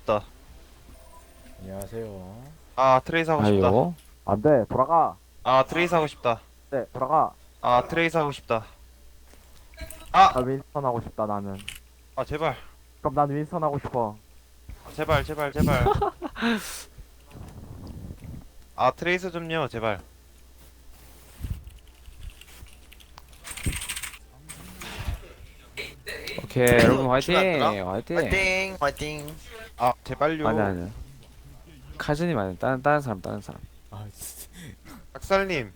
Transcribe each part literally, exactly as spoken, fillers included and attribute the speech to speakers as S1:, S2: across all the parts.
S1: 싶다.
S2: 안녕하세요.
S1: 아 트레이스 하고 싶다.
S3: 아이고.
S4: 안돼 돌아가.
S1: 아 트레이스 하고 싶다.
S4: 네 돌아가.
S1: 아 트레이스 하고 싶다.
S4: 나 윈스턴 하고 싶다 나는.
S1: 아 제발
S4: 그럼 난 윈스턴 하고 싶어.
S1: 제발 제발 제발. 아 트레이스 좀요 제발.
S3: 오케이 여러분 화이팅.
S5: 출발하더라?
S3: 화이팅.
S5: 화이팅 화이팅.
S1: 아 제발요.
S3: 아니 아니. 카즈님 아니 다른 다른 사람 다른 사람.
S2: 아, 진짜.
S1: 박살님.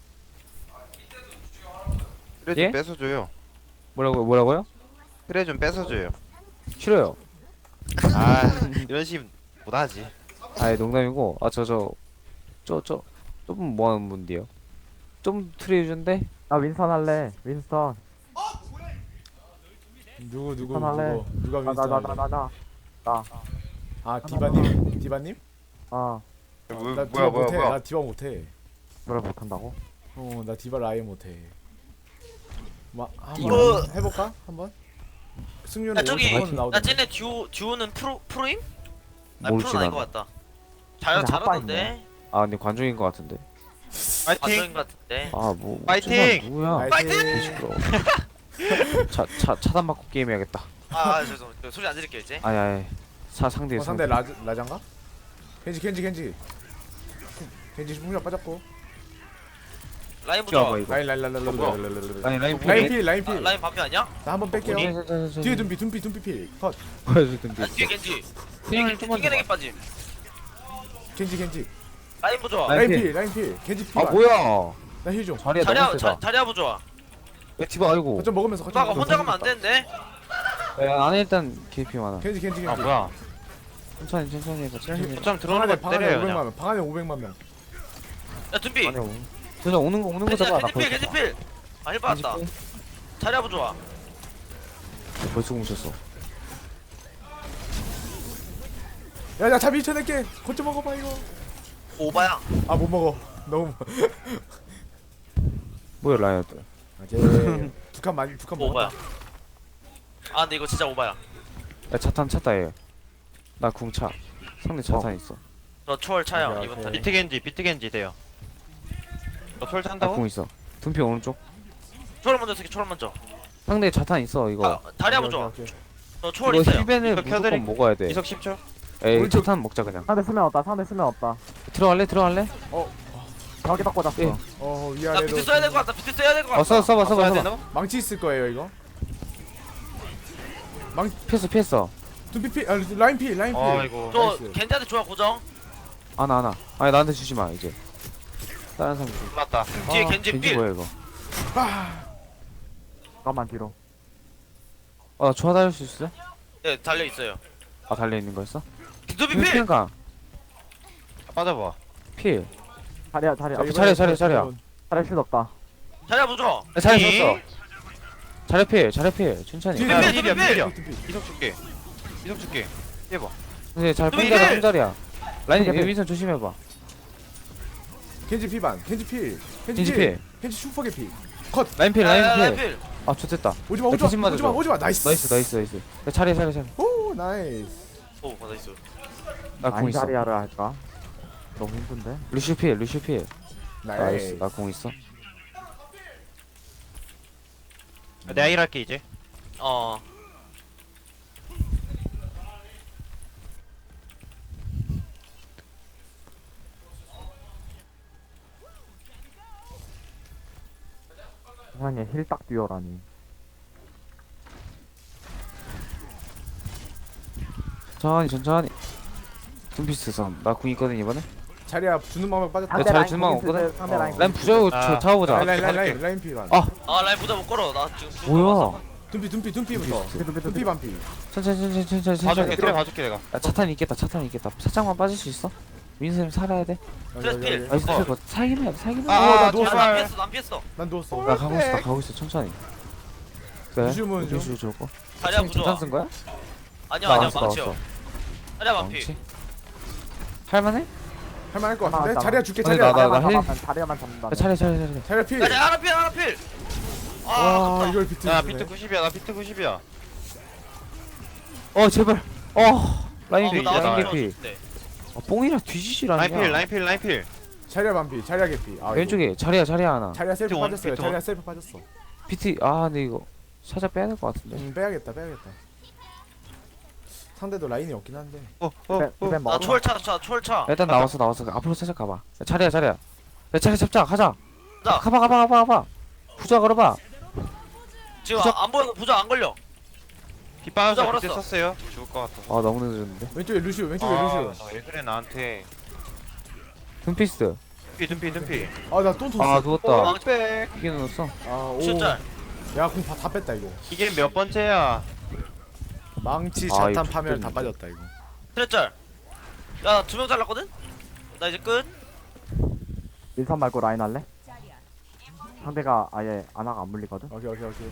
S1: 트레 좀
S3: 예?
S1: 뺏어줘요.
S3: 뭐라고 뭐라고요?
S1: 트레 좀 뺏어줘요.
S3: 싫어요.
S1: 아 이런 식 못하지.
S3: 아예 농담이고 아 저 저 저 저 좀 뭐하는 분인데요? 좀 트레이 준데?
S4: 나 윈스턴 할래. 윈스턴.
S2: 누구 누구
S4: 윈스턴 할래.
S2: 누구 누가
S4: 나
S2: 윈스턴
S4: 나
S2: 할래?
S4: 나 나 나 나.
S2: 아 디바님 디바님?
S4: 어.
S1: 뭐,
S2: 나
S1: 뭐야
S2: 디바
S1: 뭐야
S2: 못해.
S1: 뭐야.
S2: 나 디바 못해.
S4: 노래 못한다고?
S2: 어나 디바를 아예 못해. 막
S3: 띠용.
S2: 한번 해볼까? 한번? 승률은
S5: 야 저기
S2: 오십 번
S5: 나
S2: 나오던데.
S5: 쟤네 듀오 듀오는 프로 프로임? 아
S3: 모르지
S5: 프로는 아닌 것
S3: 나는.
S5: 같다. 잘
S4: 근데
S5: 잘하던데.
S3: 아 근데 관중인 것 같은데.
S1: 파이팅.
S5: 관전인 것 같은데.
S3: 아뭐
S1: 파이팅!
S3: 누구야?
S2: 파이팅!
S3: 시끄러워. 차차 차단 받고 게임해야겠다.
S5: 아, 아 죄송. 저 소리 안 들을게요 이제.
S3: 아니 아니. 사 상대
S2: 어, 상대 라즈 라잔가? 켄지 켄지 켄지. 켄지 풍력 빠졌고.
S5: 라인
S3: 봐
S5: 보자.
S3: 이거.
S2: 라인 라인 라인 라인 라인 라인 라인 라인
S3: 아니 라인
S2: 라인
S3: 필.
S2: 필 라인
S5: 아,
S2: 필.
S5: 라인 반피 아니야?
S2: 나 한번 뺄게요.
S3: 뒤에
S2: 뒤에 둠비 둠비 둠비 필. 컷.
S3: 보여주던데.
S5: 아, 뒤에 겐지.
S3: 그냥
S5: 겐지
S3: 좀만
S5: 튕겨내기 빠짐.
S2: ken지 켄지.
S5: 라인 보자.
S3: 라인
S2: 라인
S3: 필.
S2: 필 라인 필. 켄지 필.
S3: 아 뭐야?
S2: 나힐 좀.
S3: 자리야
S5: 자리야
S3: 너무
S5: 자,
S3: 세다.
S5: 자리야 보자.
S3: 액티브 아이고.
S2: 거점 먹으면서 거점
S5: 누나가 혼자 가면 안 되는데.
S3: 야, 안에 일단 케이피 많아.
S2: 켄지 켄지 켄지.
S1: 아 뭐야.
S3: 천천히 천천히 해봐. 천천히 해봐.
S1: 좀 들어오는 거
S2: 방 안에
S1: 때려요
S2: 오백만
S1: 그냥.
S2: 명. 방 안에 오백만 명.
S5: 야 둠비.
S3: 안에 오는. 그냥 오는 거 오는 거
S5: 겐지
S3: 잡아. 나
S5: 겐지 필 겐지
S3: 벌써.
S5: 필. 아 힐 받았다. 자리야 보자.
S3: 벌써 뭉쳤어.
S2: 야야 잡이 쳐낼게. 거점 먹어봐 이거.
S5: 오바야.
S2: 아 못 먹어. 너무.
S3: 뭐야 라이어들.
S2: 오케이. 두칸 많이 두칸
S5: 오바야.
S2: 먹었다.
S5: 아 근데 이거 진짜 오바야.
S3: 야 차탄 찼다 얘. 나 궁차. 상대 차탄 있어.
S5: 저 초월 차요
S2: 오케이,
S5: 이번
S2: 오케이.
S5: 턴에.
S1: 비트 겐지 비트 겐지 돼요. 너톨
S3: 나
S1: 찬다고?
S3: 궁 있어. 둔피 오른쪽.
S5: 초월 먼저 쓰기 초월 먼저.
S3: 상대 차탄 있어 이거.
S5: 아 다리야
S2: 오케이,
S5: 보자.
S2: 오케이, 오케이.
S5: 저 초월
S3: 이거
S5: 있어요.
S3: 힐벤을
S1: 이거 켜드릴-
S3: 무조건 먹어야 돼.
S1: 이석 십 초.
S3: 에이
S2: 오른쪽.
S3: 차탄 먹자 그냥.
S4: 상대 수면 없다. 상대 수면 없다.
S3: 들어갈래 들어갈래?
S4: 저기 딱 꽂았어.
S3: 예.
S2: 어
S5: 나
S2: 위아래로.
S5: 비트 써야 될 것 같다. 비트 써야 될 것 같다.
S3: 어 써 써봐 써봐
S1: 써야
S3: 써봐.
S1: 되나?
S2: 망치 있을 거예요 이거.
S3: 피했어 피했어.
S2: 둠피 필. 아 라인 필 라인 필.
S1: 아이고.
S5: 저
S2: 나이스.
S5: 겐지한테 좋아 고정.
S3: 안아 안아. 아니 나한테 주지 마 이제. 다른 사람 줘.
S1: 맞다.
S5: 뒤에
S2: 아,
S5: 겐지
S3: 겐지
S5: 필.
S3: 뭐야 이거?
S4: 잠깐만 뒤로.
S3: 어나 좋아 달릴 수 있어?
S5: 네 달려 있어요.
S3: 아 달려 있는 거였어?
S5: 둠비 필.
S3: 필가
S1: 빠져봐.
S3: 필.
S4: 자리야 자리야.
S2: 자,
S3: 아,
S2: 이번에
S3: 차례, 차례, 차례야.
S4: 자리야 쉴 없다.
S5: 자리야 보자.
S3: 야, 잘했어 잘해 필 잘해 필 천천히.
S2: 뒤에
S1: 야,
S5: 필,
S1: 필이야,
S5: 필,
S1: 필이야.
S2: 둠피.
S1: 이석 줄게. 이석 줄게. 해봐.
S3: 근데 잘
S5: 둠피
S3: 뺀다라
S5: 필!
S3: 한 자리야. 라인
S4: 둠피 필.
S3: 윈선 조심해봐.
S2: 켄지 피반. 켄지 필.
S3: 겐지 필.
S2: 켄지 슈퍼게 필. 컷.
S3: 라인 필
S5: 아,
S3: 라인
S5: 라인
S3: 필.
S5: 필.
S3: 아 좋됐다.
S2: 오지마
S3: 야,
S2: 오지마
S3: 대신 맞아줘.
S2: 오지마 오지마 나이스.
S3: 나이스 나이스 나이스. 야, 차례 차례 차례.
S2: 오 나이스.
S5: 오 나이스.
S3: 나공
S4: 아니
S3: 있어.
S4: 자리야를 할까? 너무 힘든데.
S3: 루시 필 루시 필. 나이스.
S2: 나이스.
S3: 나 공 있어.
S1: 내가 일 할게 이제.
S5: 어.
S4: 세상에 힐딱 뛰어라니.
S3: 천천히 천천히. 둠피스 섬. 나공 있거든 이번에.
S2: 자리야 주는 마음에 빠졌다.
S3: 야, 잘 주는 거 없거든?
S4: 상대 라인.
S3: 라인 부자고
S1: 아.
S3: 잡아보자.
S2: 라인 라인 라인 라인 라인 필반.
S3: 아.
S5: 아 라인 보자 못 걸어. 나 지금 죽을 것
S3: 뭐야?
S5: 같아서.
S2: 둠피 둠피 둠피부터.
S4: 둠피, 둠피,
S2: 둠피 반피.
S3: 천천히 천천히 천천히
S1: 봐줄게.
S3: 천천히.
S1: 트레 봐줄게 내가.
S3: 야 차탄 있겠다 차탄 있겠다. 살짝만 빠질 수 있어? 윈선 살아야 돼.
S5: 트레스 필.
S3: 나이스
S1: 어.
S3: 어. 살기만 해 살기만
S1: 아,
S3: 해.
S2: 나
S1: 아,
S2: 누웠어.
S5: 난
S1: 제발.
S5: 피했어. 난 피했어.
S2: 난 누웠어.
S3: 나 가고 있어 나 가고 있어 천천히. 그래?
S2: 루시움은 좀-
S3: 루시움 좋을 거.
S5: 자리야
S3: 천탄
S5: 보자.
S3: 쓴 거야?
S5: 아니야
S3: 나
S5: 아니야
S3: 왔어,
S5: 망치요.
S3: 나왔어.
S5: 자리야 반피.
S3: 망치? 할만해?
S2: 할만할 것
S4: 하나
S2: 같은데.
S4: 왔다.
S2: 자리야 줄게
S3: 아니,
S2: 자리야.
S3: 나- 나-
S4: 자리야만
S3: 힐-
S4: 잡아, 자리야만 잡는다.
S3: 야, 차례 차례 차례.
S2: 자리야 필.
S5: 야 자리야 하나 필 하나 필. 아
S2: 와
S5: 아깝다.
S2: 이걸 비트.
S1: 야 비트 구십이야. 나 비트 구십이야.
S3: 어 제발. 어. 라인
S5: 어,
S3: 개피
S5: 나와서
S3: 라인
S1: 나와요.
S3: 개피.
S5: 네.
S3: 아 뽕이라 뒤지질 않냐.
S1: 라인필 라인필 라인필.
S2: 자리야 반피 자리야 개피. 아,
S3: 왼쪽에 자리야 자리야 하나.
S2: 이거. 자리야 셀프
S1: 비트 원,
S2: 빠졌어요.
S1: 비트
S2: 자리야
S1: 원.
S2: 셀프 빠졌어.
S3: 비트 아 근데 이거 살짝 빼야 될 것 같은데.
S2: 음 빼야겠다 빼야겠다. 상대도 라인이 없긴 한데.
S1: 어어
S4: 벤
S1: 어.
S4: 벤
S5: 나
S4: 먹어.
S5: 초월차 차 초월차.
S3: 일단 나와서 나와서 앞으로 살짝 가봐. 야, 자리야 자리야. 야 자리 잡자 가자.
S5: 자.
S3: 가봐 가봐 가봐 가봐. 부자 걸어봐.
S5: 지금
S3: 부적-
S5: 안, 안 보여서 부적 안 걸려.
S1: 피 빠져서
S5: 부자
S1: 그때
S5: 걸었어.
S1: 썼어요. 죽을 것 같아서.
S3: 아 너무 늦었는데.
S2: 왼쪽에 루시오 왼쪽에
S1: 아,
S2: 루시오.
S1: 왜 그래 나한테.
S3: 둠피스트.
S1: dum피 dum피 dum피.
S2: 아나또 tos어.
S3: 아 누웠다.
S1: 왕백.
S3: 이게 넣었어.
S2: 아 오.
S5: 숫자.
S2: 야공 다 뺐다 이거.
S1: 이게 몇 번째야?
S2: 망치
S3: 아,
S2: 자탄
S3: 이거
S2: 파멸 다
S3: 좋겠는데.
S2: 빠졌다 이거.
S5: 트레짤. 야, 두 명 잘랐거든? 나 이제 끝.
S4: 일선 말고 라인 할래? 상대가 아예 아나가 안 물리거든?
S2: 오케이 오케이 오케이.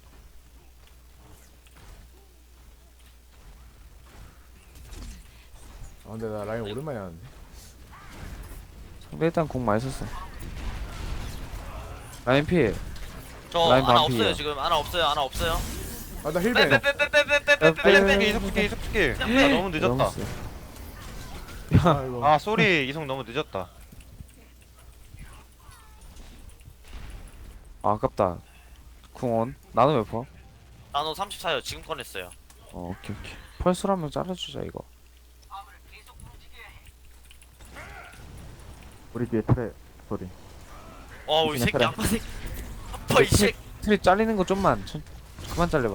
S2: 아 근데 나 라인 오랜만에 하는데.
S3: 상대 일단 공 많이 썼어. 라인 필.
S5: 저
S3: 라인
S5: 하나
S3: 반피야.
S5: 없어요, 지금. 하나 없어요, 하나 없어요.
S2: 아나 힐벤.
S5: 빼빼빼빼빼빼빼빼빼.
S1: 이속 줄게 이속 줄게. 아 너무 늦었다.
S3: 세.
S2: 아이고.
S1: 아 쏘리 이속 너무 늦었다.
S3: 아 아깝다. 궁원. 나는 몇 퍼?
S5: 나노 삼십사요. 지금 꺼냈어요.
S3: 어 오케이 오케이. 펄스로 한명 잘라주자 이거.
S4: 우리 뒤에 트레 소리.
S5: 어우, 이 새끼
S4: 그래.
S5: 양파 새끼. 아파, 이 새끼.
S3: 트리 잘리는 거 좀만 천, 그만 잘려봐.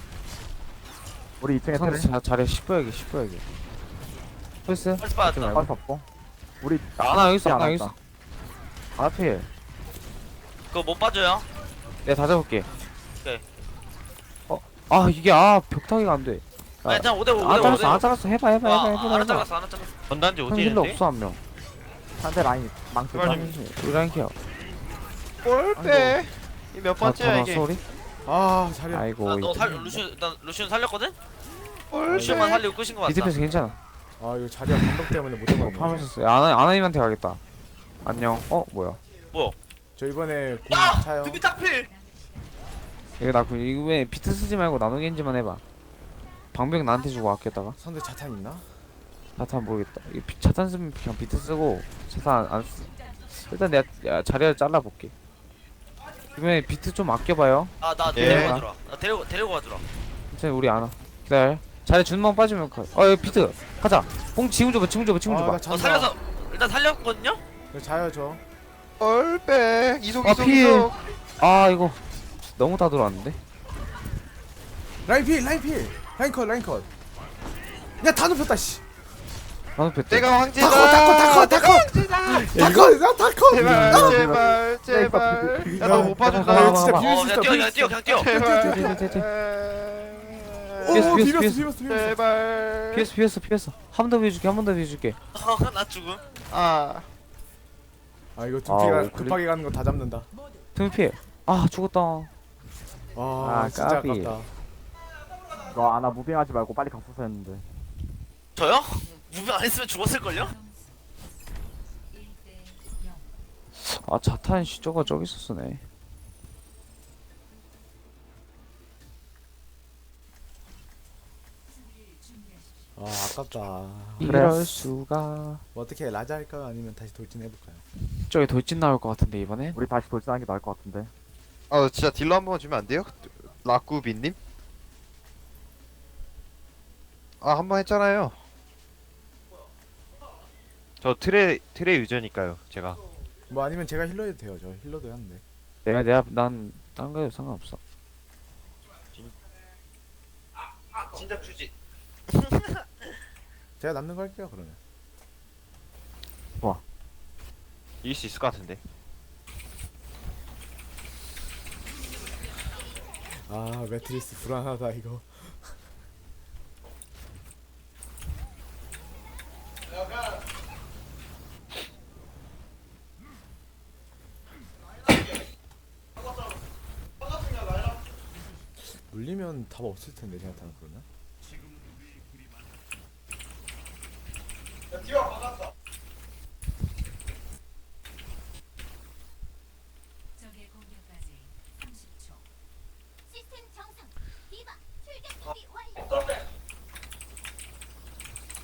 S4: 우리 이 층에
S3: 상대
S4: 트레
S3: 자, 자리에 십 퍼야게 십 퍼야게. 펄스?
S5: 펄스 받았다.
S3: 말고.
S4: 할수 없고. 우리
S3: 아나 여기 있어
S4: 안
S3: 아나 여기 있어.
S4: 왔다.
S3: 아나 필.
S5: 그거 못 봐줘요.
S3: 내가 다 잡을게.
S5: 오케이.
S3: 어? 아 이게 아 벽타기가 안 돼.
S5: 아, 그냥 오 대 오, 오
S3: 안
S5: 대 오.
S3: 잘랐어 안 잘랐어 해봐 해봐 해봐
S5: 아,
S3: 해봐
S5: 하나
S3: 해봐.
S5: 잘랐어, 하나 잘랐어.
S1: 전단지
S3: 형 힐러
S1: 오지인데?
S3: 없어 한 명.
S4: 상대 라인 망치.
S1: 제발
S4: 좀.
S1: 좀-
S3: 우리 라인 케어.
S1: 꼴빼. 이몇 번째야
S3: 아
S1: 이게?
S3: 소리?
S2: 아 자리야.
S3: 아이고.
S5: 아, 너
S3: 이거
S5: 살, 루시오, 일단 루시오 살렸거든?
S1: 꼴빼.
S5: 루시오만 살리고 끝인 거 같다.
S3: 비트패스 괜찮아.
S2: 아 이거 자리야 감독 때문에 못
S3: 어,
S2: 잡았네.
S3: 파면서 아나 아나님한테 가겠다. 안녕. 어 뭐야?
S2: 저 이번에 공
S5: 야!
S2: 차요.
S5: 두비 딱필!
S3: 이거 나 그- 이거 왜 비트 쓰지 말고 나노겐지만 해봐. 방벽 나한테 주고 아꼈다가
S2: 상대 자탄 있나?
S3: 자탄 모르겠다. 이거 비- 자탄 쓰면 그냥 비트 쓰고 자탄 안, 안 쓰. 일단 내가 야, 자리를 잘라볼게. 이번에 비트 좀 아껴봐요.
S5: 아, 나
S1: 예.
S5: 데리고 가주라. 나 데리고, 데리고 가주라.
S3: 괜찮아 우리 안와. 기다려. 자리 준만 빠지면 가. 어 여기 비트 가자. 뽕 지금 줘봐 지금 줘봐 지금 줘봐.
S2: 아나
S5: 어,
S2: 잔다.
S5: 살려서, 일단 살렸거든요?
S2: 네, 자요 저.
S1: 꼴빼. 이속
S3: 아,
S1: 이속
S3: 필.
S1: 이속.
S3: 아 이거 너무 다 들어왔는데.
S2: 라인 필 라인 필. 라인 컷 라인 컷. 야다 눕혔다 씨.
S3: 나도 뺐대.
S1: 내가 황제다.
S2: 다컷 다컷 다컷 다컷 다컷.
S1: 제발
S2: 아,
S1: 제발 제발. 야 너 못 봐준다.
S2: 아,
S3: 가봐,
S2: 진짜
S3: 가봐.
S2: 비빌
S5: 어,
S2: 수
S5: 그냥
S2: 있어.
S5: 뛰어,
S2: 비빌
S5: 그냥
S2: 수
S5: 뛰어,
S2: 있어.
S5: 그냥 뛰어.
S1: 제발.
S3: 제발.
S2: 오
S3: 비었어,
S2: 비볐어
S3: 비었어.
S2: 비볐어 비볐어.
S1: 제발.
S3: 피했어 피했어 피했어. 한 번 더 비워줄게 한 번 더 비워줄게.
S5: 어, 나 죽음.
S1: 아.
S2: 아 이거
S3: 아,
S2: 두피가
S3: 왜
S2: 급하게 가는 거 다 잡는다.
S3: 틈 피해. 아 죽었다.
S2: 아,
S3: 아,
S2: 진짜
S3: 까비.
S2: 아깝다.
S4: 너 아나 무빙하지 말고 빨리 갔었어 했는데.
S5: 저요? 무빙 안 했으면 죽었을걸요?
S3: 아 자탄 씨 저거 저기 있었네.
S2: 아 아깝다.
S3: 이럴 수가.
S2: 뭐 어떻게 라자 할까요? 아니면 다시 돌진 해볼까요?
S3: 저기 돌진 나올 것 같은데 이번에.
S4: 우리 다시 돌진하는 게 나을 것 같은데.
S1: 아 진짜 딜러 한 번 주면 안 돼요? 라꾸비님? 아 한 번 했잖아요. 저 트레 트레 유저니까요 제가.
S2: 뭐 아니면 제가 힐러 해도 돼요. 저 힐러도 하는데.
S3: 내가 내가 난딴 거에도 상관없어.
S5: 진작 주지.
S2: 제가 남는 거 할게요 그러면.
S1: 이길 수 있을 것 같은데.
S2: 아 매트리스 불안하다 이거. 물리면 답 없을 텐데 생각하는 그러면.
S6: 적의 공격까지 삼십 초. 시스템 정상. 디바 출격 준비 완료.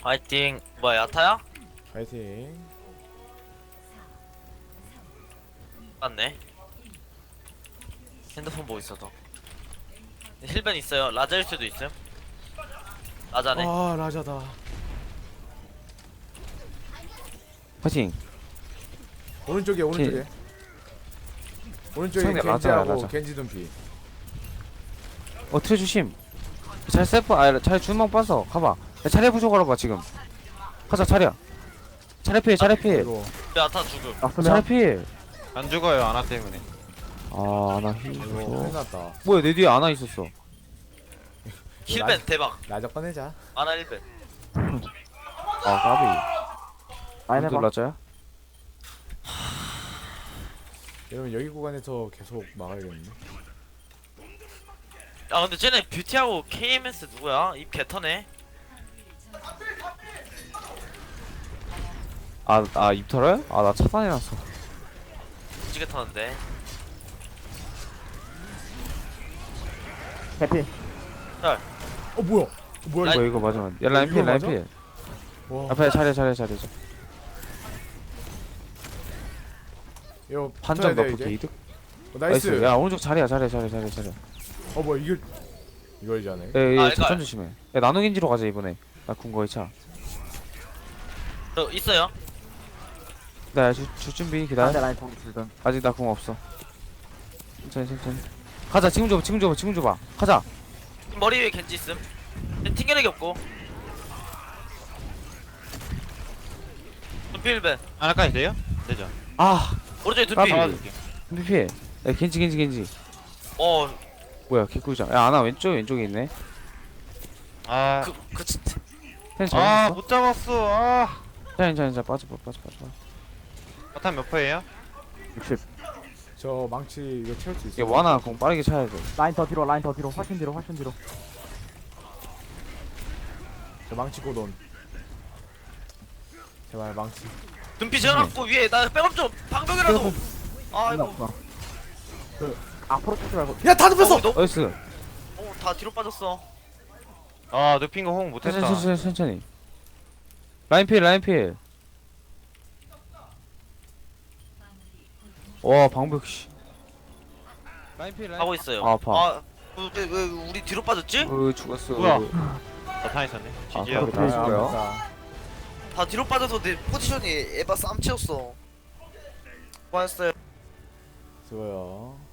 S5: 파이팅. 뭐야 야타야?
S2: 파이팅.
S5: 맞네. 핸드폰 보고 있어도. 힐벤 있어요. 라자일 수도 있어요. 라자네.
S2: 아 라자다.
S3: 파이팅.
S2: 오른쪽에 오른쪽에. 오른쪽에
S3: 상대 라자야,
S2: 겐지하고
S3: 라자.
S2: 겐지 둔피.
S3: 어 트레 주심. 잘 세프 아잘 주먹 빠서 가봐. 야, 차례 부족하러 봐 지금. 가자 차례야. 차례 필 차례 필.
S2: 이거
S5: 야타 죽음.
S3: 차례
S4: 났으면
S3: 필.
S1: 안 죽어요 아나 때문에.
S3: 아나 힐.
S2: 이거
S3: 어.
S2: 큰일 났다.
S3: 뭐야 내 뒤에 아나 있었어.
S5: 힐벤 대박.
S2: 라자 꺼내자.
S5: 아나 힐벤.
S3: 아 까비.
S4: 라인 해봐.
S3: 놀라자야?
S2: 여러분 여기 구간에서 계속 막아야겠네.
S5: 아 근데 쟤네 뷰티하고 케이엠에스 누구야? 입 개터네.
S3: 아아 입 털어요? 아 나 차단해놨어.
S5: 무지개 터는데.
S4: 해피.
S2: 어 뭐야? 어, 뭐야
S3: 뭐야 이거 맞으면. 야 라인 필
S2: 이거
S3: 라인
S2: 맞아?
S3: 필.
S2: 이거? 와.
S3: 앞에 차례 차례 차례.
S2: 이거
S3: 반전
S2: 붙어야 돼,
S3: 넣고
S2: 이제.
S3: 이득.
S2: 어, 나이스.
S3: 나이스. 야 오른쪽 자리야 자리야 자리야 자리야 자리야.
S2: 어 뭐야 이걸 이걸 자네.
S3: 에이
S5: 아,
S3: 작전
S5: 이거야.
S3: 조심해. 야 나노겐지로 가자 이번에. 나 군거의 차.
S5: 저 있어요.
S3: 나 줄 준비
S4: 상대
S3: 기다려.
S4: 라인 통 줄든.
S3: 아직 나 궁 없어. 천천히 천천히. 가자 지금 줘봐 지금 줘봐 지금 줘봐. 가자.
S5: 머리 위에 겐지 있음. 튕겨내기 없고. 눈피 힐벤.
S1: 아나까지 돼요? 되죠.
S3: 아
S5: 오른쪽에
S3: 까비.
S5: 눈피.
S3: 준비 피해. 야 겐지 겐지 겐지.
S5: 어.
S3: 뭐야 개꿀자. 야 아나 왼쪽 왼쪽에 있네.
S1: 아,
S5: 그, 그, 진짜.
S3: 텐
S1: 아,
S3: 잘했어.
S1: 못 잡았어. 아,
S3: 괜찮아 괜찮아 빠져 빠져 빠져 빠져.
S1: 바탄 몇 퍼예요?
S4: 육십.
S2: 저 망치 이거 채울 수 있어.
S3: 이게 와나 공 빠르게 차야 돼.
S4: 라인 더 뒤로 라인 더 뒤로 훨씬 뒤로 훨씬 뒤로.
S2: 저 망치 고돈. 제발 망치.
S5: 눈피 재워놨고 위에 나 백업 좀 방벽이라도. 아 이거.
S4: 없어. 그 앞으로 치지 말고.
S2: 야다 눕혔어.
S5: 어, 너,
S3: 나이스.
S5: 어, 다 뒤로 빠졌어.
S1: 아, 눕힌 거 호응 못했다.
S3: 천천히 천천히 천천히. 라인 필 라인 필. 와 방벽 씨. 라인 필 라인.
S5: 하고 있어요.
S3: 아, 아파.
S5: 아, 왜, 왜, 왜 우리 뒤로 빠졌지?
S3: 어 죽었어.
S1: 뭐야? 바탄 있었네.
S3: 아,
S1: 지지요.
S3: 그래. 그러시고요.
S2: 아깝다.
S5: 다 뒤로 빠져서 내 포지션이 에바 쌈치였어. 고맙어요.
S2: 수고요.